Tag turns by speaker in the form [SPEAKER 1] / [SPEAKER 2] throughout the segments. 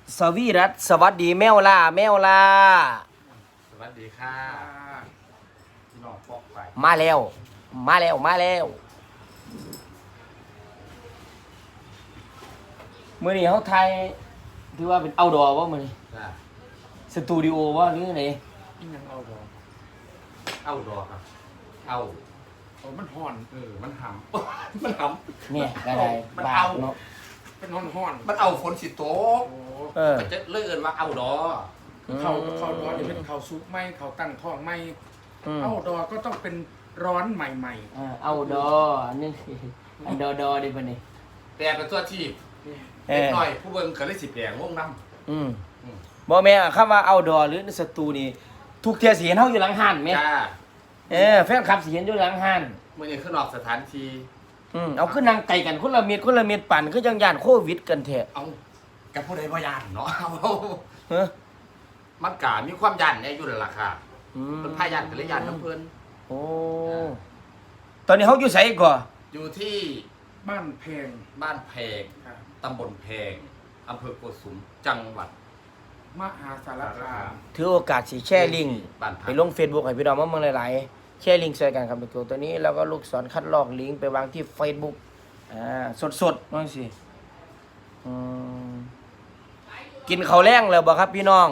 [SPEAKER 1] สวีรัตน์สวัสดีแมวล่าแมวล่า
[SPEAKER 2] สวัสดีค่ะพี่น้องปอกไป
[SPEAKER 1] มาแล้วมาแล้วมาแล้วมื้อนี้เฮาถ่ายถือว่าเป็นเอาท์ดอร์บ่มื้อนี้
[SPEAKER 2] จ้า
[SPEAKER 1] สตูดิโอบ่หรือไง
[SPEAKER 3] ยังเอาดอก
[SPEAKER 2] เอาดอกครับเอา
[SPEAKER 3] มันห่อน
[SPEAKER 2] มันหำ มันห
[SPEAKER 1] เนี่ยก็ได้
[SPEAKER 2] มัน
[SPEAKER 1] บา
[SPEAKER 2] เอา
[SPEAKER 1] เนาะ
[SPEAKER 3] เป็นห่อน
[SPEAKER 2] ำมันเอาฝนสิโตก
[SPEAKER 3] โอ้
[SPEAKER 1] เออ
[SPEAKER 2] มันจะเลื่อนว่าเอาดอ
[SPEAKER 3] เขาดอกนี่เป็นเขาซุปไหมเขาตั้งท้องไหม
[SPEAKER 1] ม
[SPEAKER 3] เอาดอกก็ต้องเป็นร้อนใหม่
[SPEAKER 1] เอาท์ดอร์อันนี้อันดอดิบัดนี้
[SPEAKER 2] แปลเป็นตัวที่
[SPEAKER 3] ๆนี่
[SPEAKER 1] เอ
[SPEAKER 2] เล็ก
[SPEAKER 1] อ
[SPEAKER 2] หน่อยผู้เบิ่งก็เลยสิแปลงงน้
[SPEAKER 1] อืม
[SPEAKER 2] อืม
[SPEAKER 1] บ่แม่นคำว่าเอาท์ดอร์หรือสตูนี่ทุกเที่ยสิเห็นเฮาอยู่หลังห้าน
[SPEAKER 2] ำ
[SPEAKER 1] แม่
[SPEAKER 2] จ้า
[SPEAKER 1] แฟนคลับสิเห็นอยู่หลังห้าน
[SPEAKER 2] เมื่อนี้ขึ้นออกสถานที่
[SPEAKER 1] เอาขึ้นนางไก่กันคนละเม็ดปั่นคือจังย่านโควิดกันแท้
[SPEAKER 2] เอากับผู้ใดบ่ยานเนาะ
[SPEAKER 1] เฮ้อ
[SPEAKER 2] มันกะมีความยันเนี่ยอยู่แล้วล่ะค่ะ
[SPEAKER 1] อืม
[SPEAKER 2] เพิ่นพายันก็เลยยันน้ำเพิ่น
[SPEAKER 1] โอ้ตอนนี้เฮาอยู่ไสก่อ
[SPEAKER 2] อยู่ที่
[SPEAKER 3] บ้านแพง
[SPEAKER 2] บ้านแพง
[SPEAKER 3] ครับ
[SPEAKER 2] ตำบลแพงอำเภอโกสุมจังหวัด
[SPEAKER 3] มหาสารคาม
[SPEAKER 1] ถือโอกาสสิแชร์ลิงก์
[SPEAKER 2] บ้านพั
[SPEAKER 1] ไป
[SPEAKER 2] ก
[SPEAKER 1] ลง Facebook ให้พี่น้องมาเมืองหลายๆแชร์ลิงก์ใส่กันครับตัวนี้แล้วก็ลูกศรคัดลอกลิงก์ไปวางที่ Facebook สดๆนั่นสิอืมกินข้าวแรงแล้วบ่ครับพี่น้อง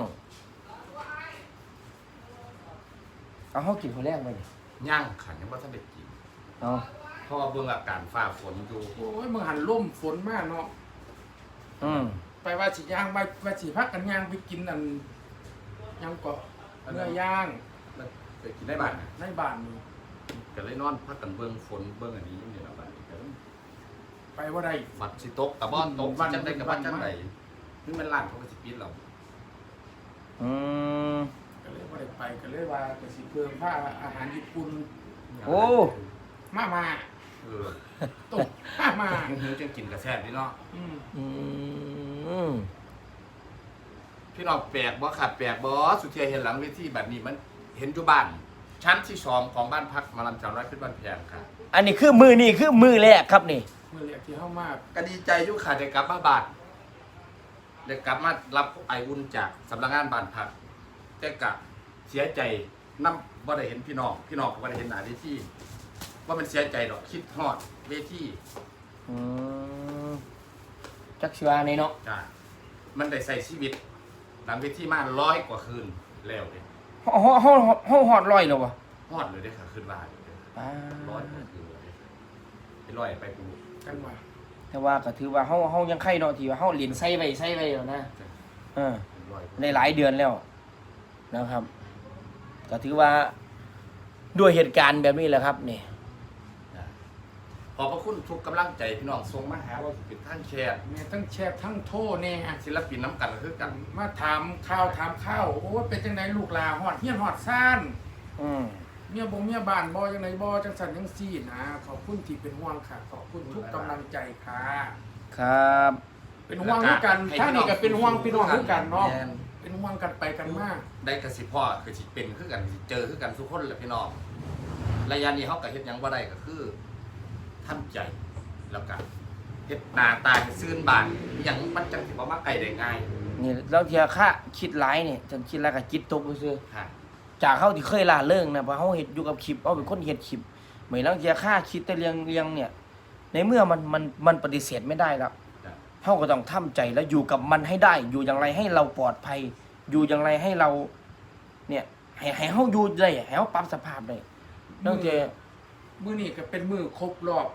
[SPEAKER 1] เอาเฮากินข้าวแรงไปดิ
[SPEAKER 2] ย่างขันยังบ่ทันได้กิน
[SPEAKER 1] เอา
[SPEAKER 2] เพราะว่าเบิ่งอาการฟ้าฝนอยู่
[SPEAKER 3] โอ้ยมึงหันล่มฝนมากเนาะ
[SPEAKER 1] อืม
[SPEAKER 3] ไปว่าสิย่างไปว่าสิพักกันย่างไปกินอันย่างเกาะเนื้อย่าง
[SPEAKER 2] มันไปกินได้บ้าน
[SPEAKER 3] ในบ้านนี่
[SPEAKER 2] ก็เลยนอนพักกันเบิ่งฝนเบิ่งอันนี้อยู่นี่ล่ะบัดนี้ก็
[SPEAKER 3] ไปว่าได้
[SPEAKER 2] บัดสิตกตะบ่ตก
[SPEAKER 3] วัน
[SPEAKER 2] จังได๋ก็บัดจัง
[SPEAKER 3] วัน
[SPEAKER 2] ได๋นี่มันร้านเขาก็สิปิดแล้ว
[SPEAKER 1] อืม
[SPEAKER 3] ก็เลยว่าได้ไปก็เลยว่าก็สิเพิ่มผ้าอาหารญี่ปุ่น
[SPEAKER 1] โอ้
[SPEAKER 3] มา
[SPEAKER 2] เออ
[SPEAKER 3] ตกมา
[SPEAKER 2] หิวๆจังกินก็แซ่บดีเนาะ
[SPEAKER 3] อืม
[SPEAKER 1] อืม
[SPEAKER 2] พี่น้องแปลกบ่ครับแปลกบ่สุเทียเห็นหลังเวทีแบบนี้มันเห็นอยู่บ้าน ชั้นที่2ของบ้านพักหมาลำจาวน้อยเพชรบ้านแพงค่ะ
[SPEAKER 1] อันนี้คือมือแรกครับนี่
[SPEAKER 3] เมื่อเรียกที่เข้ามา
[SPEAKER 2] ก็ดีใจอยู่ค่ะได้กลับมาบ้านได้กลับมารับไออุ่นจากสำนักงานบ้านพักแต่กะเสียใจนำบ่ได้เห็นพี่น้องก็บ่ได้เห็นหน้าเวทีว่ามันเสียใจดอกคิดฮอดเวที
[SPEAKER 1] อืมจักสิว่าในเนาะ
[SPEAKER 2] จ้ามันได้ใส่ชีวิตหลังเวทีมา100 กว่าคืนแล้วเด้
[SPEAKER 1] เฮาฮอดร้อยแล้ววะ
[SPEAKER 2] ฮอดเลยเด้ค่ะคืนว่าเลยเด้อ
[SPEAKER 1] อ่า
[SPEAKER 2] 100 กว่าคืนเลยไปร้อยไปปู
[SPEAKER 3] จังหวะ
[SPEAKER 1] แต่ว่าก็ถือว่าเฮายังไข่เนาะที่ว่าเฮาเรียนใส่ไว้แล้วนะเออ
[SPEAKER 2] ร้อยกว่า
[SPEAKER 1] ในหลายเดือนแล้วนะครับ ก็ถือว่าด้วยเหตุการณ์แบบนี้แหละครับนี่
[SPEAKER 2] จ้ะขอบพระคุณทุกกำลังใจพี่น้องส่งมาหาว่าเป็นท่านแชร์
[SPEAKER 3] แม่ทั้งแชร์ทั้งโทษเนี่ย
[SPEAKER 2] ศิลปินน้ำกันก็คือกัน
[SPEAKER 3] มาถามข้าวโอ้ยเป็นจังไดลูกลาหอดเฮียนหอดซ่าน
[SPEAKER 1] อืม
[SPEAKER 3] เมียบงเมียบ้านบ่จังไดบ่จังสันจังซี่นะขอบคุณที่เป็นห่วงค่ะขอบคุณทุกกำลังใจค่ะ
[SPEAKER 1] ครับ
[SPEAKER 3] เป็นห่วงด้วยกันถ้านี่ก็เป็นห่วงพี่น้องด้วยกันเนาะ
[SPEAKER 2] แม่
[SPEAKER 3] เป็นห่วงกันไปกันมาก
[SPEAKER 2] ได้กระสิพ่อคือสิเป็นคือกันสิเจอคือกันทุกคนแหละพี่น้องระยะนี้เฮาก็เฮ็ดหยังบ่ได้ก็คือทำใจแล้วกันเฮ็ดหน้าตาให้ซื่นบานอหยังมันจังสิบ่มาไกลได้ง่าย
[SPEAKER 1] นี่แล้วเทียค่าคิดหลายนี่จนคิดแล้วก็จิตตกซื่อ
[SPEAKER 2] ค่ะ
[SPEAKER 1] จากเฮาที่เคยล่าเริงนะเพราะเฮาเฮ็ดอยู่กับคลิปเฮาเป็นคนเฮ็ดคลิปเหมือนลางเทียค่าคิดแต่เรื่องเนี่ย ในเมื่อมันปฏิเสธไม่ได้แล้ว
[SPEAKER 2] จ้ะ
[SPEAKER 1] เฮาก็ต้องทำใจแล้วอยู่กับมันให้ได้ อยู่อย่างไรให้เราปลอดภัย อยู่อย่างไรให้เรา เนี่ยให้เฮาอยู่ได้ให้เฮาปรับสภาพได้ลางเทีย
[SPEAKER 3] มื้อนี้ก็เป็นมื้อครบรอบ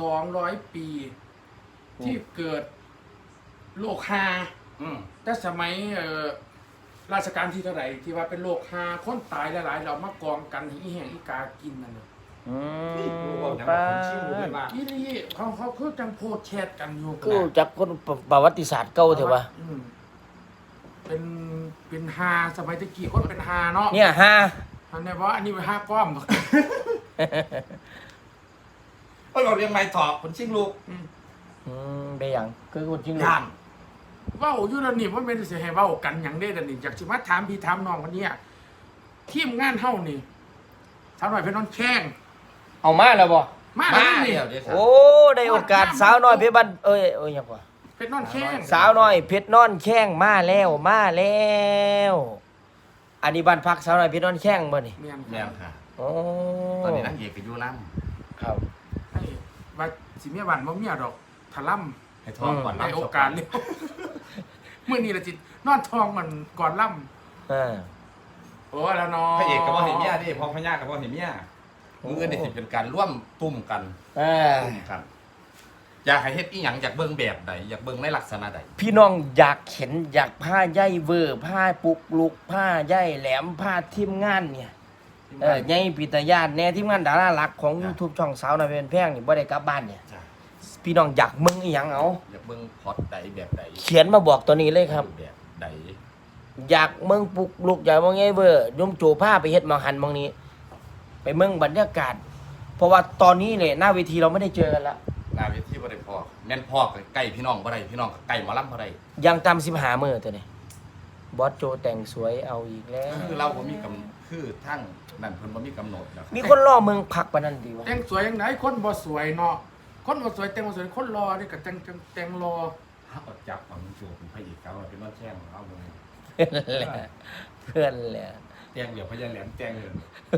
[SPEAKER 3] 200 ปี
[SPEAKER 1] โอ้
[SPEAKER 3] ที่เกิดโรคฮา
[SPEAKER 2] อืม
[SPEAKER 3] แต่สมัยราชการที่เท่าไหร่ที่ว่าเป็นโรคฮาคนตายหลายๆเรามากองกันให้อีแห้งอีกากินนั่นน่ะ
[SPEAKER 1] อืม
[SPEAKER 2] ป้า
[SPEAKER 1] ป้า
[SPEAKER 3] อีนี่เขาคือจังโพสต์แชทกันอยู่
[SPEAKER 1] กูจักคนประวัติศาสตร์เก่าเถอะวะ
[SPEAKER 3] อืมเป็นฮาสมัยตะกี้คนเป็นฮาเนาะ
[SPEAKER 1] เนี่ยฮะ
[SPEAKER 3] อันนี้ว่าอันนี้เป็นฮาก้อม
[SPEAKER 2] เราเรียงไม้ถอกคนชิงลูก
[SPEAKER 1] ได้หยังคือคนจริง
[SPEAKER 2] ย่าน
[SPEAKER 3] เว้าอยู่แล้วนี่ว่าเป็นสิให้เว้ากันหยังได้แต่นี่อยากสิมาถามพี่ถามน้องคนเนี้ยทีมงานเฮานี่สาวน้อยเพชรน้องแข้ง
[SPEAKER 1] เอามาแล้วบ่
[SPEAKER 3] มา
[SPEAKER 2] มา
[SPEAKER 3] แล้วนี่
[SPEAKER 2] เดี๋ยวเดี๋ยว
[SPEAKER 1] โอ้ได้โอกาสสาวน้อยเพชรบ้านเอ้ยยังกว่า
[SPEAKER 3] เพชรนอนแข้ง
[SPEAKER 1] สาวน้อยเพชรนอนแข้งมาแล้วมาแล้วอันนี้บ้านพักสาวน้อยเพชรนอนแข้งบ่นี่
[SPEAKER 3] เมียน
[SPEAKER 2] แม่นค่ะ
[SPEAKER 1] โอ้
[SPEAKER 2] ตอนนี้นางเอกก็อยู่น้
[SPEAKER 1] ครับ
[SPEAKER 3] ให้ว่าสิเมียบ้านบ่เมียดอกถล่ำ
[SPEAKER 2] ำให้ท้องก่อน
[SPEAKER 3] ใน
[SPEAKER 2] ล่ำ
[SPEAKER 3] โอกาสเร็วมื้อนี้ละจิตนอนทองมันก่อนล่ำ
[SPEAKER 1] อ่า
[SPEAKER 3] โอ้แล้วเนาะ
[SPEAKER 2] พระเอกกับว่าเห็นเมียดิพอพญากับว่าเห็นเมียมือนี่สิเป็นการร่วมตุ้มกัน
[SPEAKER 1] อ่า
[SPEAKER 2] ตุ้มกัน อยากให้เฮ็ดอีหยังอยากเบิ่งแบบใดอยากเบิ่งในลักษณะใด
[SPEAKER 1] พี่น้องอยากเห็นอยากผ้าใยเวอร์ผ้าปุกลุกผ้าใยแหลมผ้าทีมงานเนี่ยใยปิตยานแน่ทีมงานดาราหลักของ YouTube ช่องสาวน้อยเป็นแพงนี่บ่ได้กลับบ้านเนี่ย
[SPEAKER 2] จ้ะ
[SPEAKER 1] พี่น้องอยากมึงอีหยังเอา
[SPEAKER 2] อยากเบิ่งพล็อตใดแบบใด
[SPEAKER 1] เขียนมาบอกตัวนี้เลยครับ
[SPEAKER 2] แบบใด
[SPEAKER 1] อยากเมืองปลุกลุกอยากมองไงเวอร์ยมโจผ้าไปเฮ็ดหมองหันหมองนี้ ไปเมืองบรรยากาศ เพราะว่าตอนนี้เนี่ยหน้าเวทีเราไม่ได้เจอกันละ
[SPEAKER 2] หน้าเวทีบ่ได้พอแม่นพ่อก็ใกล้พี่น้องบ่ได้พี่น้องก็ใกล้หมอลำบ่ได้
[SPEAKER 1] ยังตาม15มื้อตัวนี้บอสโจแต่งสวยเอาอีกแล้ว
[SPEAKER 2] คือเราบ่มีกำคือทั้งนั่นเพิ่นบ่มีกำหนดนะครับ
[SPEAKER 1] มีคนรอเมืองพักปานนั้นดีวะ
[SPEAKER 3] แต่งสวยยังไงคนบ่สวยเนาะคนบ่สวยแต่งบ่สวยคนรอนี่ก็แต่งรอ
[SPEAKER 2] ถ้าอดจับของโจเป็นพระเอกเขาเป็นน้องแช่งเอาเลย
[SPEAKER 1] เพื่อนแหละ
[SPEAKER 2] แจ้งเดี๋ยวพญาแหลมแจ้งเลย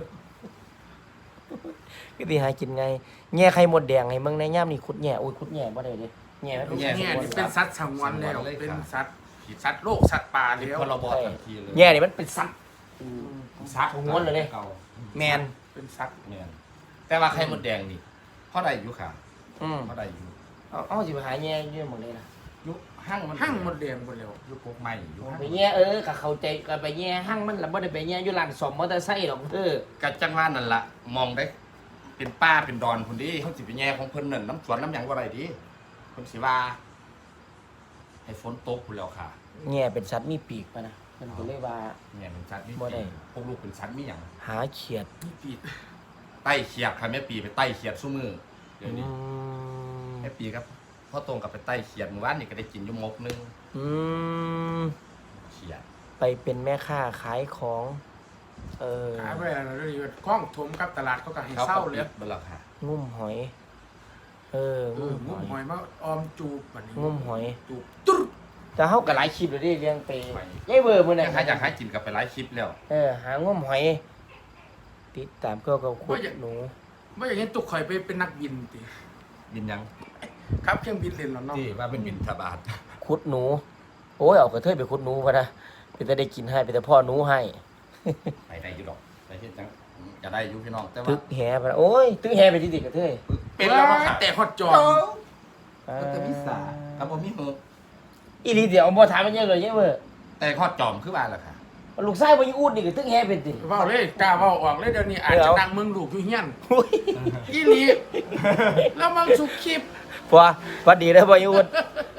[SPEAKER 1] ก็สิหากินไงแง่ไข่มดแดงให้เมืองในย่ามนี่ขุดแง่โอ้ยขุดแง่บ่ได้เด้แง่มันเป็น
[SPEAKER 3] เนี่ย
[SPEAKER 1] สัตว์
[SPEAKER 3] นี่เป็นสัตว์สงวนแล้วเป็นสัตว์โลกสัตว์ป่าแล้ว
[SPEAKER 2] พรบทันทีเลย
[SPEAKER 1] แง่นี่มันเป็นสัตว์
[SPEAKER 2] ซัก
[SPEAKER 1] สงวนเลย
[SPEAKER 2] เก่า
[SPEAKER 1] แมน
[SPEAKER 3] เป็นสัตว์
[SPEAKER 2] แมนแต่ว่าไข่มดแดงนี่เพราะใดอยู่ค่ะ
[SPEAKER 1] อืม
[SPEAKER 2] เพราะใดอยู่
[SPEAKER 1] เอาสิไปหาแง่อยู่หมดเลยล่ะ
[SPEAKER 2] ยุคห้างมัน
[SPEAKER 3] หั่งหมดแดงหมดแล้ว
[SPEAKER 2] ยุคกกใหม่ยุคห้าง
[SPEAKER 1] ไปแง่ก็เข้าใจก็ไปแง่ห้างมันละบ่ได้ไปแง่อยู่ร้านซ่อมมอเตอร์ไซค์หรอก
[SPEAKER 2] กัจังว่านั่นล่ะมองได้ เป็นป้าเป็นดอนคนดีเขาสิไปแย่ของเพิ่นนั่นน้ำสวนน้ำหยังว่าไรดีเพิ่นสิว่าให้ฝนตกพุ่นแล้วค่ะ
[SPEAKER 1] แง่เป็นสัตว์มีปีกปะนะมันก็เลยว่า
[SPEAKER 2] เนี่ยเป็นชัดมี
[SPEAKER 1] บ่ได้
[SPEAKER 2] พวกลูกเป็นชัดมีหยัง
[SPEAKER 1] หาเขียด
[SPEAKER 3] นี่ปีด
[SPEAKER 2] ไต้เขียดค่ะแม่ปีไปไต้เขียดซุมือเดี๋ยวนี้
[SPEAKER 1] ม
[SPEAKER 2] แม่ปีครับพ่อตรงกับไปไต้เขียดเมื่อวานนี่ก็ได้กินอยุ่มกนึง
[SPEAKER 1] อืม
[SPEAKER 2] เขียด
[SPEAKER 1] ไปเป็นแม่ค้าขายของ
[SPEAKER 3] ขายไปแล้วนี่คล้องถมกับตลาดเขาก็ให้เศร้าเลย
[SPEAKER 2] เบลอค่ะ
[SPEAKER 1] งุ่มหอย งุ่มห
[SPEAKER 3] งุ้
[SPEAKER 1] อ
[SPEAKER 3] ม
[SPEAKER 1] ย
[SPEAKER 3] หอยมาออมจูบบัดนี้
[SPEAKER 1] งุ่มหอย
[SPEAKER 3] จูบตุ๊ด
[SPEAKER 1] แต่เฮาก็หลายคลิปแล้วดิเลี้ยงไปยายเบอร์มื้อนั้น
[SPEAKER 2] อยากให้กินกับไปไลฟ์คลิปแล้ว
[SPEAKER 1] หางุ่มหอย ติดตามก็ขุดหนู
[SPEAKER 3] ไม่อย่างนี้ตุกข่อยไปเป็นนักบินติ
[SPEAKER 2] บินยัง
[SPEAKER 3] ครับเครื่องบินเล่นแล้วเนาะ
[SPEAKER 2] ที่ว่าเป็นบินทบาท
[SPEAKER 1] ขุดหนู โอ้ยเอากระเทยไปขุดหนูพะนะไปแต่ได้กินให้ไปแต่พ่อหนูให้
[SPEAKER 2] ไปได้อยู่ดอกไปเฮ็ดจังจะได้อยู่พี่น้องแต่ว่า
[SPEAKER 1] ตึกแหพะนะโอ้ยตึกแหไปที่ติกระเทย
[SPEAKER 2] เป็นแล้วค่ะ
[SPEAKER 3] แต่ฮอตจอ
[SPEAKER 2] ก็จะมีสาครับผมมีมือ
[SPEAKER 1] อีหลีเดี๋ยวบ่ถามมันเยอะเลยยายเบอร์
[SPEAKER 2] แต่ข้อจอมคือว่าล่ะค่ะ
[SPEAKER 1] ลูกชายบ่ยิงอูดนี่ก็ตึกแหเป็นติ
[SPEAKER 3] เว้าเลยกล้าเว้าออกเลยเดี๋ยวนี้อาจจะดังเมืองลูกอยู่เฮียน
[SPEAKER 1] โอ้ย
[SPEAKER 3] อีหลีแล้วมังสุกคลิป
[SPEAKER 1] พอพอดีแล้วบ่ยิงอูด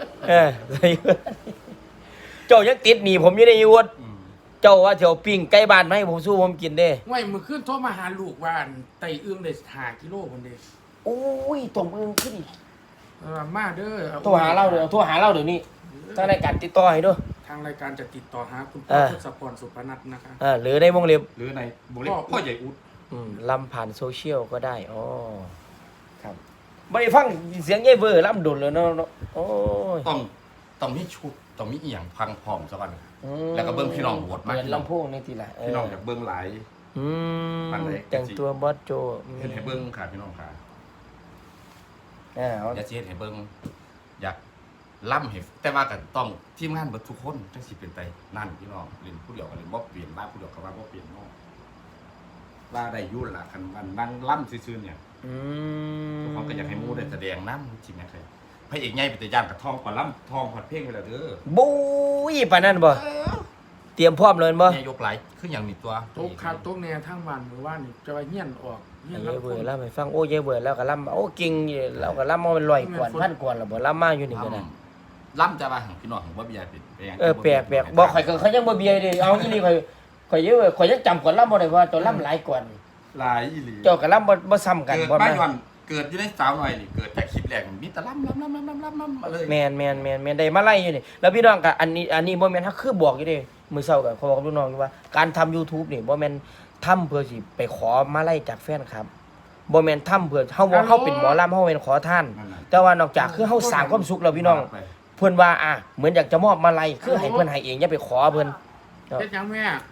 [SPEAKER 1] เจ้ายังติดหนีผมอยู่ในยูดเจ้าว่าเถียวปิ้งไก่บ้านมาให้ผมสู้ผมกินเด้
[SPEAKER 3] ไว้มื้อคืนโทรมาหาลูกว่าอันไตอึ้งได้5กิโลพุ่นเด้
[SPEAKER 1] โอ้ยตรงมึงขึ้นอีก
[SPEAKER 3] มาเด้อ
[SPEAKER 1] โทรหาเราเดี๋ยวโทรหาเราเดี๋ยวนี้ทางรายการติดต่อให้ด้วย
[SPEAKER 3] ทางรายการจะติดต่อหาคุณพ่
[SPEAKER 1] เอ
[SPEAKER 3] อ
[SPEAKER 1] อ
[SPEAKER 3] ทศพรสุพนัทนะคะ
[SPEAKER 1] หรือในวงเล็บ
[SPEAKER 2] หรือในบุรีพ่อใหญ่อุด
[SPEAKER 1] ลำผ่านโซเชียลก็ได้อ๋อครับไม่ได้ฟังเสียงยายเวอร์ลำดุนเลยเนาะโอ้ย
[SPEAKER 2] ต้องมีชุดต้องมีอีหยังพังพร้อมซะก่อนแล้วก็เบิ่งพี่น้องโหวตมา
[SPEAKER 1] เปิดลำโพงในทีละ
[SPEAKER 2] พี่น้องอยากเบิ่งหลาย ปานใด
[SPEAKER 1] แต่งตัวบอสโจ
[SPEAKER 2] เฮ็ดให้เบิ่งค่ะพี่น้องค่ะ
[SPEAKER 1] เอา
[SPEAKER 2] อยากสิเฮ็ดให้เบิ่งอยากล่ำให้แต่ว่าก็ต้องทีมงานเบิดทุกคนจังสิเป็นไปนั่นพี่น้องเล่นผู้เดียวก็เล่นบ่เปลี่ยนว่าผู้เดียวก็ว่าบ่เปลี่ยนเนาะว่าได้อยู่ล่ะคันวันนั่งล่ำซื่อๆเนี่ยทุกคนก็อยากให้หมู่ได้แสดงนำจริงนะครับพระเอกใหญ่เป็นตาย่านกับทองก่อนล่ำทองฮอดเพลงไปแล้วเด้อ
[SPEAKER 1] บุ้ยปานนั้นบ่เตรียมพร้อมเลยบ่
[SPEAKER 2] ใหญ่ยกหลายคือหยังนี่ตัว
[SPEAKER 3] โต๊ะครับโต๊ะแนวทางบ้านหมู่บ้านนี่จะว่าเฮียนออกเฮียน
[SPEAKER 1] ยาย
[SPEAKER 3] รับ
[SPEAKER 1] เว
[SPEAKER 3] ค
[SPEAKER 1] อน ร์ลำให้ฟังโอ้ยายเวอร์แล้วก็ลำโอ้เก่งอยู่เราก็ลำมาเป็น100กว่าพันกว่าแล้วบ่ลำมาอยู่นี่ก็ได้
[SPEAKER 2] ล่ำจะว่าของพี่น้องของบ่มียายเป็นไปหยัง
[SPEAKER 1] แปลกบ่ข่อยก็เขายังบ่เบียดิเอาอีนี่ข่อยเยอะข่อยยังจำก่อนลำบ่ได้ว่าเจ้าลำหลายกว่า
[SPEAKER 2] หลายอีหลี
[SPEAKER 1] เจ้าก็ลำบ่ซ้ำกัน
[SPEAKER 2] เกิด
[SPEAKER 1] บ่
[SPEAKER 2] บ้าน
[SPEAKER 1] แม่
[SPEAKER 2] วันเกิดอยู่ในสาวหน่อยนี่เกิดจากคลิปแรกมีแต่ล่ำมาเลย
[SPEAKER 1] แม่นได้มาไล่อยู่นี่แล้วพี่น้องก็อันนี้บ่แม่นเฮาคือบอกอยู่เด้มื้อเช้าก็เขาบอกกับลูกน้องอยู่ว่าการทำ YouTube นี่บ่แม่นทำเพื่อสิไปขอมาไล่จากแฟนครับบ่แม่นทำเพื่อเฮาเป็นหมอลำเฮาเป็นขอทาน แต่ว่านอกจากคือเฮาสร้างความสุขแล้วพี่น้องเพิ่นว่าเหมือนอยากจะมอบมาลัยคือให้เพิ่นให้เองอย่าไปขอเพิ่น
[SPEAKER 3] เฮ็ดหยังแม่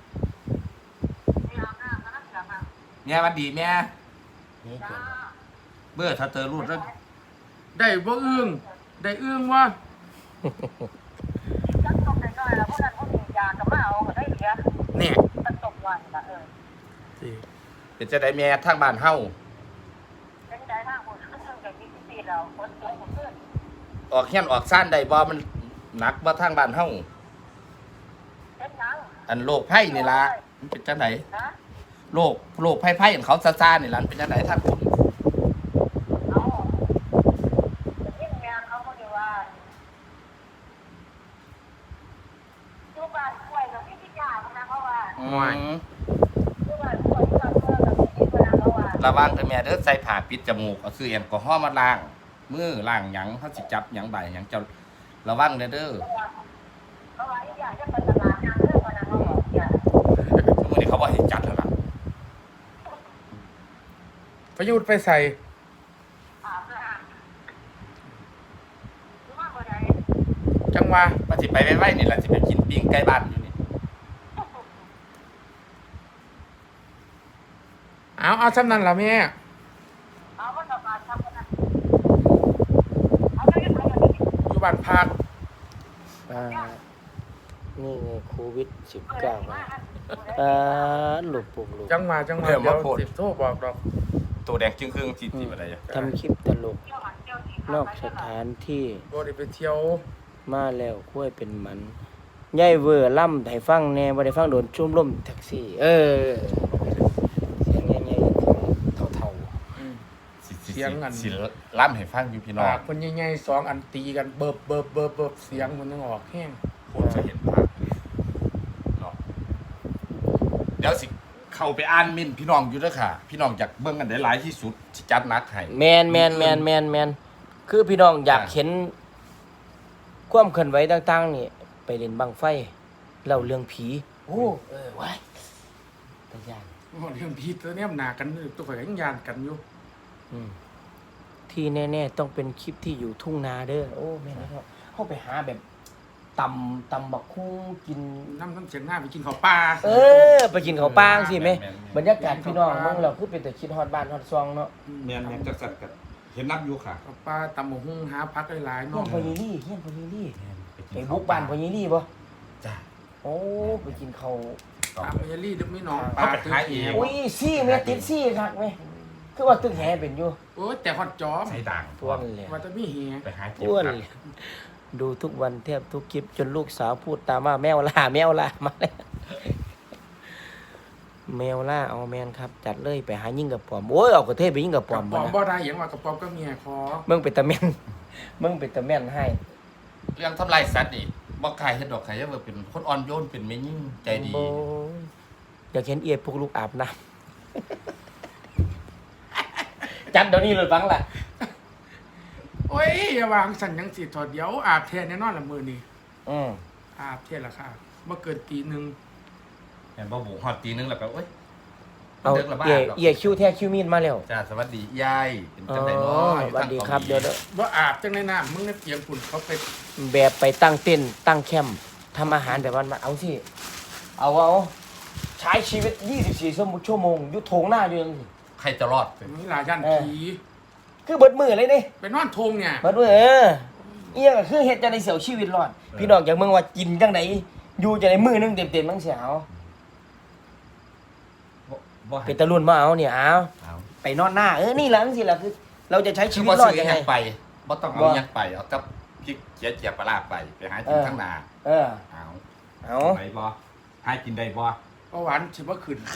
[SPEAKER 2] แม่หวัดดีแม่
[SPEAKER 1] นี่เกิน
[SPEAKER 2] เบื่อถ้าเจอรูดแล้ว
[SPEAKER 3] ได้บ่อึ้งได้อึ้งว่า
[SPEAKER 4] จักตกน้อยๆแล้วพวกนั้นพวกนี้ยาก็มาเอาก็ได้เหลือ
[SPEAKER 3] เนี่ย
[SPEAKER 4] มันตกวันละ
[SPEAKER 2] เป็นจะได้แม่ทางบ้านเฮา
[SPEAKER 4] เป็นได้ทางหมดขึ้นกับ24แล้วฝนตกบ่ขึ้น
[SPEAKER 2] ออกเฮียนออกซ่านได้บ่มันหนักบ่ทางบ้านเฮา
[SPEAKER 4] เป็นหยัง
[SPEAKER 2] อันโรคไผ่นี่ล่ะมันเป็นจังได
[SPEAKER 4] นะ
[SPEAKER 2] โรคไผ่ๆอันเขาซ่าๆนี่ล่ะมันเป็นจังไดทางคุณ
[SPEAKER 4] เอายิ่งแม่เขาก็อยู่ว่าอยู่บ้านป่วยกับพี่ที่ยานะเพราะว่า อยู่บ้านป่วยที่บ้านเมืองกับพี่ที่นะเพราะว่า
[SPEAKER 2] ระวังเด้อแม่เด้อใส่ผ้าปิดจมูกเอาซื้อแอลกอฮอล์มาล้างมือล้างหยังเฮาสิจับหยังใบหยังเจ้าระวังเด้อเด้อ
[SPEAKER 4] เพราะว่าอีกอย่างจะเป็นตลาดงานเรื่องวันนั้นเขาบอกอย่า
[SPEAKER 2] ทุกมื้อนี้เขาบ่ให้จัดแล้วล่ะ
[SPEAKER 3] ประยุทธ์ไปใส่
[SPEAKER 4] อาบน้ำหรือว่าบ่ได้
[SPEAKER 3] จังหวะ
[SPEAKER 2] ว่าสิไปไว้ๆนี่ล่ะสิไปกินปิ้งใกล้บ้านอยู่นี่
[SPEAKER 3] เอาซ้ำนั้นล่ะแม่
[SPEAKER 4] เอาว่าจะมาทำกันนะเอาไปกันไปกัน
[SPEAKER 3] อยู่บ้านพัก
[SPEAKER 1] นี่ไงโควิด19หลุดปุ่มหลุด
[SPEAKER 3] จังหวะเดี๋ยวสิโทรบอกดอก
[SPEAKER 2] ตัวแดงจึงครึ่งสิบ่ได้อะ
[SPEAKER 1] ทำคลิปตลกนอกสถานที่
[SPEAKER 3] บ่ได้ไปเที่ยว
[SPEAKER 1] มาแล้วคุ้ยเป็นมันยายเวอร์ล่ำให้ฟังแน่บ่ได้ฟังโดนชุ่มล่มแท็กซี่ เสียงใหญ่ๆเท่า
[SPEAKER 2] สิล่ำให้ฟังอยู่พี่น้อ
[SPEAKER 3] ปาง กเพิ่นใหญ่ๆ2อันตีกันเบิบเสียงมันยังออกแห้ง
[SPEAKER 2] ผมจะเห็นภาพเนาะเดี๋ยวสิเข้าไปอ่านเมินพี่น้องอยู่เด้อค่ะ พี่น้องอยากเบิ่งกันได้หลายที่สุดสิจัดหนักให้
[SPEAKER 1] แมนคือพี่น้องอยากเห็นความเคลื่อนไหวต่างๆนี่ไปเล่นบังไฟเล่าเรื่องผีว้ายตะยาน
[SPEAKER 3] เรื่องพี่ตัวเนี้ยมันหนากันตัวข่อยก็ยังยานกันอยู่
[SPEAKER 1] ที่แน่ๆต้องเป็นคลิปที่อยู่ทุ่งนาเด้อโอ้แม่นแล้วเข้าไปหาแบบตำบักคุ้งกิน
[SPEAKER 3] น้ำเสียงหน้าไปกินข้าวปลา
[SPEAKER 1] ไปกินข้าวปางสิแม่บรรยากาศพี่น้องเมืองเราคือเป็นแต่คิดฮอดบ้านฮอดซองเนาะ
[SPEAKER 2] แม่นจักสัดกันเห็นนับอยู่ค่ะ
[SPEAKER 3] ข้าวปลาตำหมูหุ้งหาพักหลายๆ
[SPEAKER 1] เฮี
[SPEAKER 3] เนาะ
[SPEAKER 1] ยนพอยีรี่ไปบุกบ้านพอยีรี่บ่
[SPEAKER 2] จ้า
[SPEAKER 1] โอ้ไปกินข้าว
[SPEAKER 3] ตามเมยรี่ดึกไม่นอนป
[SPEAKER 2] เอา
[SPEAKER 3] ลา
[SPEAKER 2] ไป
[SPEAKER 3] ตื้
[SPEAKER 2] ขาย
[SPEAKER 3] อ
[SPEAKER 2] เอง
[SPEAKER 3] เหี่ยว
[SPEAKER 1] อุ้ยซี่แม่ติดซี่คักแม่คือว่าตึกแหเป็นอยู่
[SPEAKER 3] โอ้ยแต่ฮอดจอม
[SPEAKER 2] ใส่ด่าง
[SPEAKER 1] ป้วนเลย
[SPEAKER 3] ว่าจะมีเหี่ย
[SPEAKER 2] ไปหาเก็บ
[SPEAKER 1] ป้วน
[SPEAKER 2] ครับ
[SPEAKER 1] เลยดูทุกวันแทบทุกคลิปจนลูกสาวพูดตามว่าแมวล่ามาแล้วแมวล่าเอาแมนครับ จัดเลยไปหายิ่งกับปอมโอ้ยเอากระเทยไปยิ่งกับป
[SPEAKER 3] ก
[SPEAKER 1] อ
[SPEAKER 3] ระ
[SPEAKER 1] ม
[SPEAKER 3] ป๋อม
[SPEAKER 1] นะ
[SPEAKER 3] บ่ได้อย่างว่ากระป๋อมก็เมียคอ
[SPEAKER 1] มึงเป็นตะแม่นมึงเป็นตะแม่นให้
[SPEAKER 2] เรื่องทำลายสัตว์นี่บ่ขายเฮ็ดดอกขายว่าเป็นคนอ่อนโยนเป็นแม่ยิ่งใจดี
[SPEAKER 1] โอ้ยอยากเห็นเอียพวกลูกอาบน้ำ จัดเดี๋ยวนี้เลยฟังล่ะ
[SPEAKER 3] โอ้ยอย่าวางสั่นยังสิถอดเดี๋ยวอาบแทนแน่นอนละมือนี่
[SPEAKER 1] อืม
[SPEAKER 3] อาบแทนละค่ะบ่เกินตีหนึง
[SPEAKER 2] แม่นบ่บุกฮอดตีนึงแล้วก็โอ๊ย
[SPEAKER 1] เอา
[SPEAKER 2] เด็กละบ้า
[SPEAKER 1] เอียคิวแท้คิวมีดมาแล้ว
[SPEAKER 2] จ้าสวัสดียายเป็น
[SPEAKER 1] อ๋อ
[SPEAKER 2] จังได๋เนาะอยู่
[SPEAKER 1] สวัสดีครับเดี๋ยว
[SPEAKER 3] บ่อาบจังในน้ำมึงในเตียงฝุ่นเขาไป
[SPEAKER 1] แบบไปตั้งเต้นท์ตั้งแคมป์ทำอาหารแบบวันมาเอาสิเอาใช้ชีวิต 24 ชั่วโมงอยู่โถงหน้าอยู่ยังสิ
[SPEAKER 2] ใครจะรอด
[SPEAKER 3] มีหลายย่านผี
[SPEAKER 1] คือเบิดมือเลยนี่
[SPEAKER 3] ไปนอนโทงเนี่ย
[SPEAKER 1] เบิดมือเอียก็คือเฮ็ดจังได๋เสียวชีวิตรอด พี่น้องอยากเมืองว่ากินจังไดอยู่จังไดมือหนึงเต็มๆจังสิเอา
[SPEAKER 2] บ่ให้
[SPEAKER 1] เป็นตะลุ่นมาเอาเนี่ยเอา
[SPEAKER 2] เอา
[SPEAKER 1] ไปนอนหน้านี่ล่ะจังซี่ล่ะคือ เราจะใช้ชี
[SPEAKER 2] คือ
[SPEAKER 1] วิต
[SPEAKER 2] บ่
[SPEAKER 1] รอด
[SPEAKER 2] ซื้อ
[SPEAKER 1] ยัง
[SPEAKER 2] ห
[SPEAKER 1] ไง
[SPEAKER 2] ยังไปบ่ต้องเอา
[SPEAKER 1] บ่
[SPEAKER 2] หยังไปเอากับพริกเจียปลาร้าไปหากินข้างหน้า
[SPEAKER 1] เออ
[SPEAKER 2] เอา
[SPEAKER 1] เอา
[SPEAKER 2] ไหนบ่หากินได้บ่
[SPEAKER 3] เพราะหวานสิบ่ขึ้น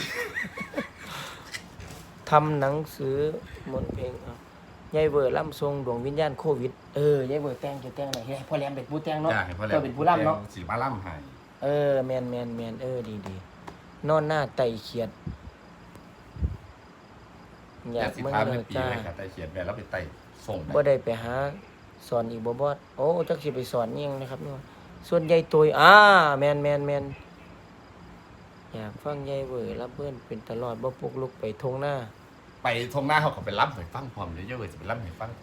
[SPEAKER 1] ทำหนังสือมนต์เพลงเอายายเวอร์ล่ำทรงดวงวิญญาณโควิดยายเวอร์แต่งจะแต่งไหนให้พ่อแหลมเป็นผู้แต่งเนาะ
[SPEAKER 2] จ้าให้พ่อแหล
[SPEAKER 1] ก็
[SPEAKER 2] ม
[SPEAKER 1] เป็นผู้ล่ำเนาะ
[SPEAKER 2] สิมาล่ำให้
[SPEAKER 1] แมนดีนอนหน้าไตเขียดอยาก
[SPEAKER 2] สิ
[SPEAKER 1] เมื่อ
[SPEAKER 2] พา
[SPEAKER 1] เล
[SPEAKER 2] แม่
[SPEAKER 1] ย
[SPEAKER 2] ปี
[SPEAKER 1] จ้า
[SPEAKER 2] เลยค่ะแต่เขียนแม่แล้วไปไต่ส่งได้
[SPEAKER 1] บ่ได้ไปหาสอนอีกบ่บอดโอ้จักสิไปสอนอิหยังนะครับเนาะส่วนใหญ่ตัวแมนอยากฟังยายเวอร์รับเพิ่นเป็นตลอดบ่ปลุกลุกไปทงหน้า
[SPEAKER 2] ไปทงหน้าเขาก็ไปล่ำให้ฟังพร้อมเดี๋ยวเยอะเลยสิไปล่ำให้ฟังพร้อม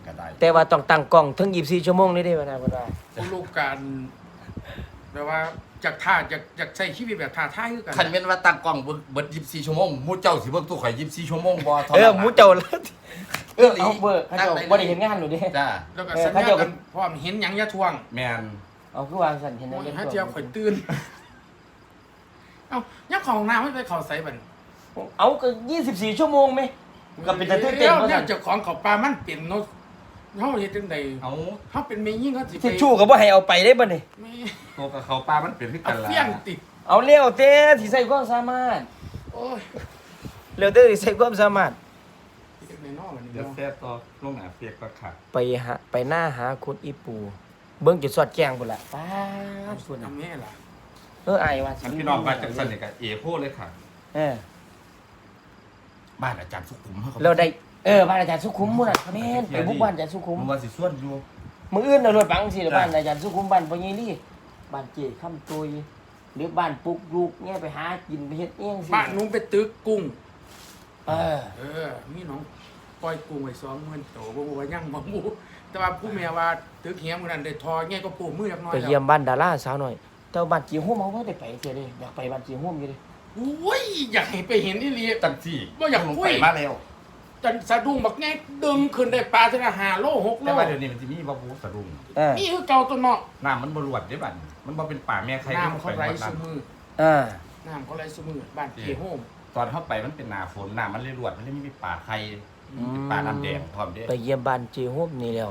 [SPEAKER 2] ก็ได้
[SPEAKER 1] แต่ว่าต้องตั้งกล้องถึง24ชั่วโมงนี่ได้บ่นะบ่ได้
[SPEAKER 3] ผู้รู้การแบบว่าจากท่าจากใช้ชีวิตแบบท่าท่าคือกัน
[SPEAKER 2] คันแม่นว่าตั้งกล้องเบิด24ชั่วโมงหมู่เจ้าสิเบิ่งตู้ข่อย24ชั่วโมงบ่เท่า
[SPEAKER 1] เอ
[SPEAKER 2] นั้
[SPEAKER 1] อน หมูเจ้าละ
[SPEAKER 2] อีหลี
[SPEAKER 1] เอาเบอร์เขาเจ้าบ่ได้เห็นงานหนูเด้
[SPEAKER 2] จ้า
[SPEAKER 3] แล้วก็
[SPEAKER 1] เออ
[SPEAKER 3] สัญ
[SPEAKER 1] เขา
[SPEAKER 3] ญา
[SPEAKER 1] เจ้า
[SPEAKER 3] กันพร้อมเห็นหยังอย่าทวง
[SPEAKER 2] แม่น
[SPEAKER 1] เอาคือวางสั่นเห็น
[SPEAKER 3] โอ้ย
[SPEAKER 1] เล่น
[SPEAKER 3] หา
[SPEAKER 1] ตัว
[SPEAKER 3] เจียวข่อยตื่นเอ้ายักของน้ำไม่ไปเข้าใส่บัด
[SPEAKER 1] เอาก็24ชั่วโมงไหมก็เป็นแต่ตื่นเต้น
[SPEAKER 3] แล้ว
[SPEAKER 1] บ่
[SPEAKER 3] เนี่
[SPEAKER 1] ซั่
[SPEAKER 3] ย
[SPEAKER 1] น
[SPEAKER 3] เจ้าของเขาปลามันเป็นเนาะเฮาเฮ็ดจังได๋
[SPEAKER 2] เอา
[SPEAKER 3] เฮาเป็นแม่ยิ่งเขาสิไป
[SPEAKER 1] ทิชชู่ก็บ่ให้เอาไปได้บ่นี่
[SPEAKER 3] แม่
[SPEAKER 2] ตัวกับเขาปลามันเป็นคือ
[SPEAKER 3] เอา
[SPEAKER 2] กันล่ะ
[SPEAKER 3] เฟี้ยงติด
[SPEAKER 1] เอาเร็วเต้สิใส่ความสามารถ
[SPEAKER 3] โอ้ย
[SPEAKER 1] เร็วเต้สิใส่ความสามารถ
[SPEAKER 3] เฮ็ดในนอกอันนี้
[SPEAKER 2] เดี๋ยว
[SPEAKER 3] เนาะ
[SPEAKER 2] แซ่ต่อลงหน้าเฟียกก็ค่ะ
[SPEAKER 1] ไปหน้าหาคุณอีปู เบิ่งจุดสอดแจ้งพุ่นล่ะป๊าดพุ่นน่ะ
[SPEAKER 3] ทำแม่ล่ะ
[SPEAKER 1] อายว่าสิ
[SPEAKER 2] อันพี่น้องว่าจังซั่นนี่ก็เอโพเลยค่ะ
[SPEAKER 1] เออ
[SPEAKER 2] บ้านอาจารย์สุขุมเฮาก็
[SPEAKER 1] เราได้บ้านอาจารย์สุขุมพุ่นน่ะแม่นไปบุกบ้านอาจารย์สุขุม
[SPEAKER 2] มันว่าสิส่วนอยู่
[SPEAKER 1] มื้ออื่นเอารถปังสิ
[SPEAKER 2] จ้ะ
[SPEAKER 1] บ้านอาจารย์สุขุมบ้านพ่อใหญ่ลี่บ้านเจ้คำตุยหรือบ้านปุกลูกเนี่ยไปหากินไปเฮ็ดเองสิ
[SPEAKER 3] บ้านหนูไปตึกกุ้ง
[SPEAKER 1] เออ
[SPEAKER 3] มีน้องปล่อยกุ้งไว้20,000ตัวบ่รู้ว่ายังบ่หมูแต่ว่าผู้แม่ว่าตึกเหียมื้อนั้นได้ทอแง่ก็ปูมือจักหน่อย
[SPEAKER 1] ไปเยี่ยมบ้านดาราสาวหน่อยแต่ว่าบ้านจีโฮมเอาบ่ได้ไปเที่ยเด้อยากไปบ้านจีโฮมอยู่เด้
[SPEAKER 3] โอ้ยอยากให้ไปเห็นอีหลี
[SPEAKER 2] จังซี่
[SPEAKER 3] บ่อยาก
[SPEAKER 2] ลง
[SPEAKER 3] คุ
[SPEAKER 2] ไป
[SPEAKER 3] ย
[SPEAKER 2] มาแล้ว
[SPEAKER 3] จันสะดุ้งบักแง่ดึงขึ้นได้ปลาถึง5โล6โล
[SPEAKER 2] แต่ว่าเดี๋ยวนี้มันสิมีบ่ฮู้สะดุ้ง
[SPEAKER 1] เออ
[SPEAKER 3] นี่คือเก่าตัวเนาะ
[SPEAKER 2] น้ำมันบ่รวดเด้บัดนี้มันบ่เป็นป่าแม่ใคร
[SPEAKER 3] น้ำเขาไหล
[SPEAKER 2] ลงป
[SPEAKER 3] ซุ
[SPEAKER 2] หมด
[SPEAKER 3] มือ น้ำเขาไหลซุมือบ้านเกโฮม
[SPEAKER 2] ตอนเข้าไปมันเป็นหน้าฝนน้ำมันเลยรวดมันเลยมีป่าไข่เป็นป่าน้ำแดงพร้อมเด้
[SPEAKER 1] ไปเยี่ยมบ้านจีโฮมนี่แล้ว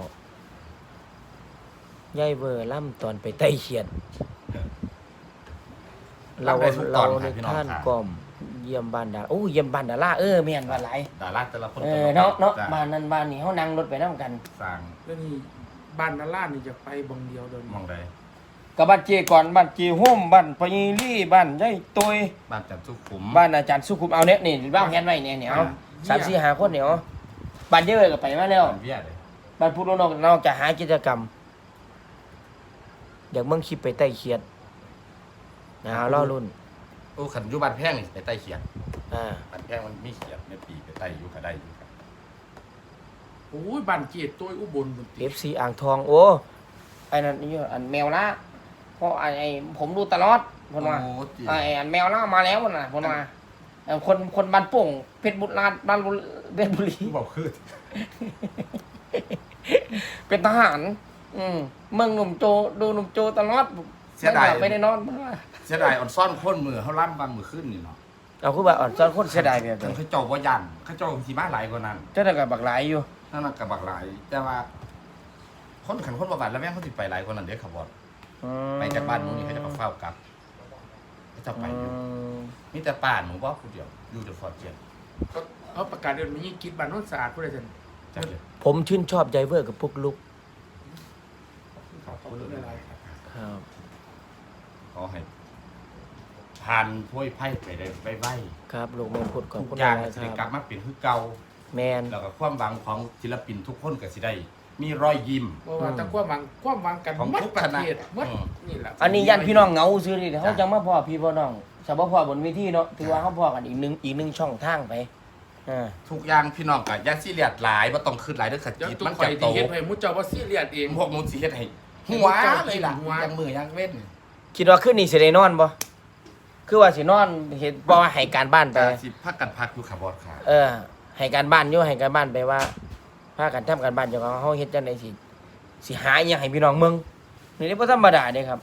[SPEAKER 1] ยายเวอร์ล่ำตอนไปไต้เขียด เราในท่านกล่อมเยี่ยมบ้านดาโอ้เยี่ยมบ้านดาราแม่นว่าหลาย
[SPEAKER 2] ดาราแต่ละคน
[SPEAKER 1] เนาะ
[SPEAKER 2] จ้
[SPEAKER 1] บ้านนั้นบ้านนี้เฮานั่งรถไปนำกัน
[SPEAKER 2] สร้าง
[SPEAKER 3] แล้วนี่บ้านนาล่านี่จะไปบังเดียวเดิน
[SPEAKER 2] มองใด
[SPEAKER 1] กับบ้านเจก่อนบ้านจีโฮมบ้านปยีรี่บ้านยายตุย
[SPEAKER 2] บ้านจันทร์สุขุม
[SPEAKER 1] บ้านอาจารย์สุขุมเอาเนี่ยนี่บ้านแฮนไว้เนี่ยเอา3 4 5คนเนี่ยเอาบ้านเยอะก็ไปมาแล้ว
[SPEAKER 2] บ้านเวียเลย
[SPEAKER 1] บ้านผู้นอกจะหากิจกรรมอยากเบิ่งคลิปไปไต้เขียดรอรุ่น
[SPEAKER 2] โอ้ขันอยู่บ้านแพงนี่ไปไต่เขียด
[SPEAKER 1] อ่า
[SPEAKER 2] บ้านแพงมันมีเขียดในปีไปไต่อยู่ก็ได้อยู่ครับ
[SPEAKER 3] โอ้ยบ้านเกียรติตัวอุบลบุตร
[SPEAKER 1] FC อ่างทองโอ้ไอ้นั่นนี่อันแมวละเพราะไอ้ผมดูตลอดเพิ่นว่า
[SPEAKER 2] โอ้จี
[SPEAKER 1] ไอ้อันแมวละมาแล้วน่ะเพิ่นว่าคนบ้านโป่งเพชรบุรีบ้านเพชรบุรี
[SPEAKER 2] คือบอกคือ
[SPEAKER 1] เป็นทหารเมืองหนุ่มโจดูหนุ่มโจตลอด
[SPEAKER 2] เสียดาย
[SPEAKER 1] ไม่ได้นอน
[SPEAKER 2] เสียดายอ่อนซ่อนคนมือเขาล่ำบางมือขึ้นนี่เนาะ
[SPEAKER 1] เอาคือว่าอ่อนซ้อนคนเสียดายแบบ
[SPEAKER 2] ทั้ง
[SPEAKER 1] นี้
[SPEAKER 2] เขาเจ้าบ่ยันเขาเจ้าสีมาหลายกว่านั้น
[SPEAKER 1] เจ้าได้กับบักหลายอยู่
[SPEAKER 2] นั่นน่ะกับบักหลาย แต่ว่า คนขันคนประวัติแล้วแม่งเขาสิไปหลายกว่านั้นเด้อครับบอสไปจากบ้านหนูนี่เขาจะมาเฝ้ากลับเขาจะไปอยู่มีแต่ป่าหนูว่าผู้เดียวอยู่แต่ฟอร์เจียน
[SPEAKER 3] เขาประกาศเดินมายิ่งคิดบ้านโน้นสะอาดผู้ใดสัน
[SPEAKER 2] จังเลย
[SPEAKER 1] ผมชื่นชอบไดเวอร์กับพวกลุก
[SPEAKER 2] ขอบคุณหลายๆครับ
[SPEAKER 1] ครับ
[SPEAKER 2] ขอให้ผ่านพ้วยไพ่ไปได้ไปไว้
[SPEAKER 1] ครับลูกแม่พูดขอบ
[SPEAKER 2] ทุก
[SPEAKER 1] คุณ
[SPEAKER 2] อย่าง
[SPEAKER 1] หลาย
[SPEAKER 2] จะ
[SPEAKER 1] ๆ
[SPEAKER 2] ได้
[SPEAKER 1] ค
[SPEAKER 2] กลั
[SPEAKER 1] รั
[SPEAKER 2] บบ มาเป็นคือเก่า
[SPEAKER 1] แมน
[SPEAKER 2] แล้วก็ความหวังของศิลปินทุกคนก็สิได้ มีรอยยิ้ม
[SPEAKER 3] เพราะว่าถ้าความหวังกัน
[SPEAKER 2] ของ
[SPEAKER 3] หมัด
[SPEAKER 2] ทุก
[SPEAKER 3] ประ
[SPEAKER 2] คณะ
[SPEAKER 3] เทศหมัดนี่แหละ
[SPEAKER 1] อันนี้ยันพี่น้องเหงาซื้อดิเขาจังมาพ่อพี่พ่อน้องสาวพ่อบนเวทีเนาะถือว่าเขาพ่อกันอีกหนึ่งช่องทางไป
[SPEAKER 2] ทุกอย่างพี่น้องก็อย่าซีเรียสหลายบ่ต้องขึ้นหลายเด้อขัด
[SPEAKER 3] เดี๋ยว
[SPEAKER 2] จิต
[SPEAKER 3] ตุ้
[SPEAKER 2] มั
[SPEAKER 3] ม
[SPEAKER 2] น
[SPEAKER 3] ไฟ
[SPEAKER 2] จะโต
[SPEAKER 3] ที่เฮ็ดให้มุจเจ้าว่าซีเรียสเอง
[SPEAKER 2] พวกหนูสิเฮ็ดให้หัวเลยล่ะ
[SPEAKER 3] หัว
[SPEAKER 2] ยังมือยังเว้น
[SPEAKER 1] คิดว่าขึ้นนี่สิได้นอนบ่คือว่าสินอนเห็นบ่ว่าให้การบ้านไป
[SPEAKER 2] แต่สิพักกันพักอยู่ค่ะบอสค่ะ
[SPEAKER 1] ให้การบ้านอยู่ให้การบ้านไปว่าพากันทำการบ้านเจ้าของเฮาเฮ็ดจังได๋สิหาอิหยังให้พี่น้องเมืองนี่บ่ธรรมดาเด้ครับ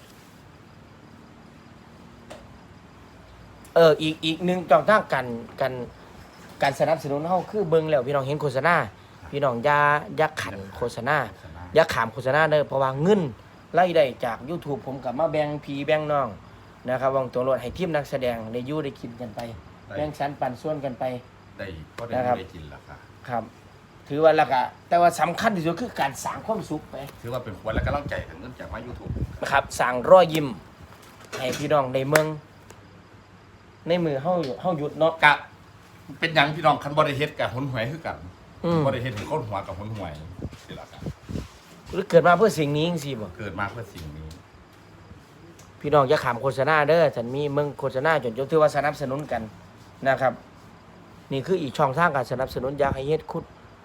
[SPEAKER 1] อีกหนึ่งช่องทางการสนับสนุนเฮาคือเบิ่งแล้วพี่น้องเห็นโฆษณาพี่น้องอย่าขันโฆษณาอย่าขามโฆษณาเด้อเพราะว่าเงินรายได้จาก YouTube ผมก็มาแบ่งพี่แบ่งน้องนะครับวางตัวรถให้ทีมนักแสดงได้อยู่ได้กินกันไปแบ่งสรรปันส่วนกันไป
[SPEAKER 2] ได้ก็ได้
[SPEAKER 1] นะครับ
[SPEAKER 2] ได้กินแล้วค่ะ
[SPEAKER 1] ครับ ถือว่าแล้วก็แต่ว่าสำคัญที่สุดคือการสร้างความสุขไป
[SPEAKER 2] ถือว่าเป็นขวัญและกำลังใจถึงเนื่องจากมา YouTube
[SPEAKER 1] นะครับสร้างรอยยิ้มให้พี่น้องในเมือง ในมือเฮาหยุดเนาะ
[SPEAKER 2] กะเป็นหยังพี่น้องคันบ่ได้เฮ็ดกับหนหวยคือกัน
[SPEAKER 1] อืม
[SPEAKER 2] บ่ได้เฮ็ดให้คนหัวกับหนหวยสิล่ะครับ
[SPEAKER 1] หรือเกิดมาเพื่อสิ่งนี้จังซี่บ่
[SPEAKER 2] เกิดมาเพื่อสิ่งนี้
[SPEAKER 1] พี่น้องอย่าขามโฆษณาเด้อฉันมีเมืองโฆษณาจนถือว่าสนับสนุนกันนะครับ นี่คืออีกช่องทางการสนับสนุนอยากให้เฮ็ด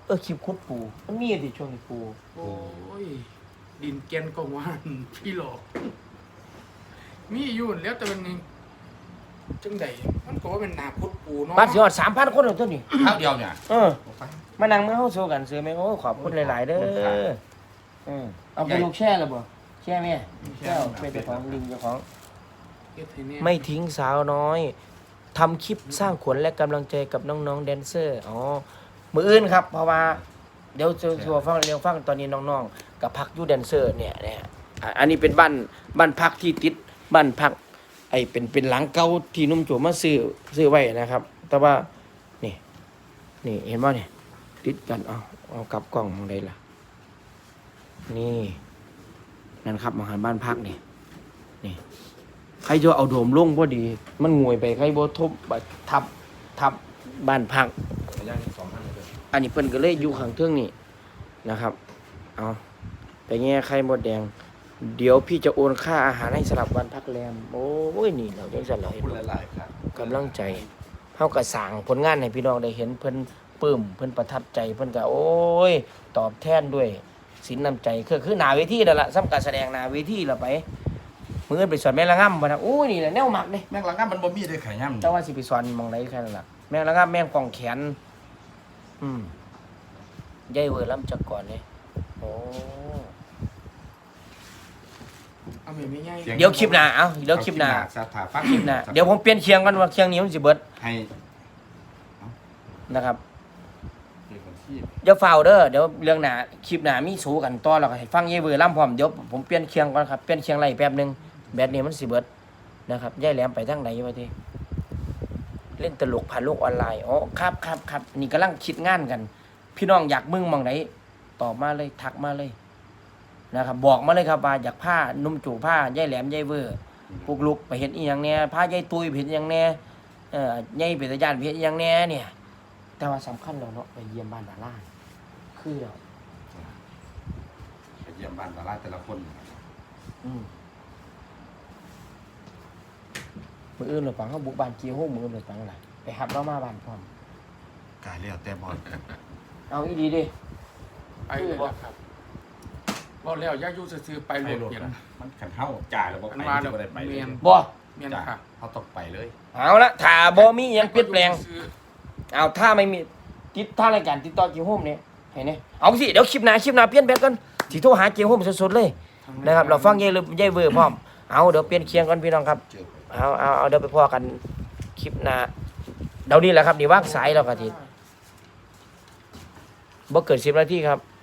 [SPEAKER 1] คลิปคุดปูมันมีดิช่วงนี้ปู
[SPEAKER 3] โอ้ยดินแกนก็ว่านพี่หลอกมีอยู่แล้วแต่มันนี่จังใดมันก็ว่าเป็นนาพุทธปูเนาะ
[SPEAKER 1] บ้านสิฮอด 3,000 คนแล้วตัวนี้
[SPEAKER 2] ข้าวเดียวเนี่ย
[SPEAKER 1] มานั่งเมื่อเฮาโซกันซื้อแม่โอ้ขอบคุณหลายๆเด้อเอาไปลูกแช่แล้วบ่แช่แม่แช่เป็นเจ้าของลิงเจ้าของ
[SPEAKER 3] เฮ็ดให้แน่
[SPEAKER 1] ไม่ทิ้งสาวน้อยทำคลิปสร้างขวัญและกำลังใจกับน้องๆแดนเซอร์อ๋อมืออื่นครับเพราะว่าเดี๋ยวจะฟังเรื่องฟังตอนนี้น้องๆกับพักอยู่แดนเซอร์เนี่ยอันนี้เป็นบ้านพักที่ติดบ้านพักไอ้เป็นหลังเก่าที่นุ่มโจมาซื้อไว้นะครับ แต่ว่านี่เห็นบ่เนี่ยติดกันเอากลับกล้องมองได้ล่ะนี่นั่นครับมหันบ้านพักนี่ใครจะเอาโดมลงพอดี มันงวยไปใครบ่ทบทับบ้านพัก
[SPEAKER 2] ย่าง2,000เลย
[SPEAKER 1] อันนี้เพิ่นก็เลยอยู่ข้างเทิงนี่นะครับ เอาไปแง่ไข่มดแดง เดี๋ยวพี่จะโอนค่าอาหารให้สำหรับวันพักแรม โอ้ยนี่เราจังซั่นล่ะ
[SPEAKER 2] พูดหลายๆครับ
[SPEAKER 1] กำลังใจเฮาก็สร้างผลงานให้พี่น้องได้เห็นเพิ่นปลื้มเพิ่นประทับใจเพิ่นก็โอ้ยตอบแทนด้วยสินน้ำใจคือหน้าเวทีนั่นล่ะสำการแสดงหน้าเวทีล่ะไปมื้อไปสอนแม่ละง่ำบ่นะโอ้ยนี่แหละแนวมักเด้
[SPEAKER 2] แม่งละงั้นมันบ่มีได้ไข่ย่ำ
[SPEAKER 1] แต่ว่าสิไปสอนหมองไหนแค่นั้นล่ะแม่งละง่ำแม่งกองแขนยายเวอร์ล้ำจักก่อนเลยโอ้
[SPEAKER 3] เอาไม่ง่าย
[SPEAKER 1] เดี๋ยวคลิปหน้าเดี๋ยวคลิปหน้า
[SPEAKER 2] สถาฟัง
[SPEAKER 1] คลิปหน้าเดี๋ยวผมเปลี่ยนเคียงกันว่าเคียงนี้มันสิเบิด
[SPEAKER 2] ให้
[SPEAKER 1] นะครับ
[SPEAKER 2] เด็กคนที่
[SPEAKER 1] อย่าเฝ้าเด้อเดี๋ยวเรื่องหน้าคลิปหน้ามีสู้กันต่อแล้วก็ให้ฟังยายเวอร์ล้ำพร้อมเดี๋ยวผมเปลี่ยนเคียงก่อนครับเปลี่ยนเคียงไรแป๊บหนึงแบตนี้มันสิเบิดนะครับยายแหลมไปทางไหนวะทีเล่นตลกผ่านโลกออนไลน์อ๋อครับนี่กำลังคิดงานกัน พี่น้องอยากมึงหมองไหนตอบมาเลยทักมาเลยนะครับบอกมาเลยครับว่าอยากผ้านุ่มจู่ผ้ายายแหลมยายเวอร์ปลุกลุกไปเห็นอีหยังเนี่ยผ้ายายตุยไปเห็นอีหยังเนี่ยยายเป็นตาญาติไปเห็นอีหยังเนี่ยเนี่ยแต่ว่าสำคัญแล้วเนาะไปเยี่ยมบ้านดาราคือเรา
[SPEAKER 2] ไปเยี่ยมบ้านดาราแต่ละคน
[SPEAKER 1] มืออื่นหรือปังเขาบุกบ้านเกี่ยวห้องมืออื่นหรือปังอะไรไปหับเรามาบ้านพร้อม
[SPEAKER 2] กายแล้วแต่บอล
[SPEAKER 1] เอาอีดีดิ
[SPEAKER 3] ไปเลยครับบอกแล้วอย่าอยู่ซื่อๆไป
[SPEAKER 2] ไป
[SPEAKER 3] โหล
[SPEAKER 2] ร
[SPEAKER 3] ด
[SPEAKER 2] ถ
[SPEAKER 3] เปลี่ยน
[SPEAKER 2] มันขันเท่าจ่ายแล้วบ่
[SPEAKER 3] อัน
[SPEAKER 2] ไป
[SPEAKER 3] ว่า
[SPEAKER 2] จะ
[SPEAKER 3] แล้ว
[SPEAKER 2] บ่ได้ไปเลย
[SPEAKER 3] เมียน
[SPEAKER 1] บ่
[SPEAKER 3] เมียน
[SPEAKER 2] จ้า
[SPEAKER 3] ค่ะ
[SPEAKER 2] เขาต้องไปเลย
[SPEAKER 1] เอาละถ้าบ่มีหยังเปลี่ยนแปลงเอาถ้าไม่มีติดถ้ารายการติดต่อเกี่ยวห้องเนี่ยเห็นไหมเอาสิเดี๋ยวคลิปหน้าเปลี่ยนแบบกันสิโทรหาเกี่ยวห้องสดๆเลยนะครับเราฟังยายเวอร์พร้อมเอาเดี๋ยวเปลี่ยนเคียงกันพี่น้องครับ
[SPEAKER 2] เจอ
[SPEAKER 1] เอาเดี๋ยวไปพอกันคลิปหน้าเดี๋ยวนี้แหละครับนี่ว่างสายแล้วก็ทีบ่เกิด10 นาทีครับ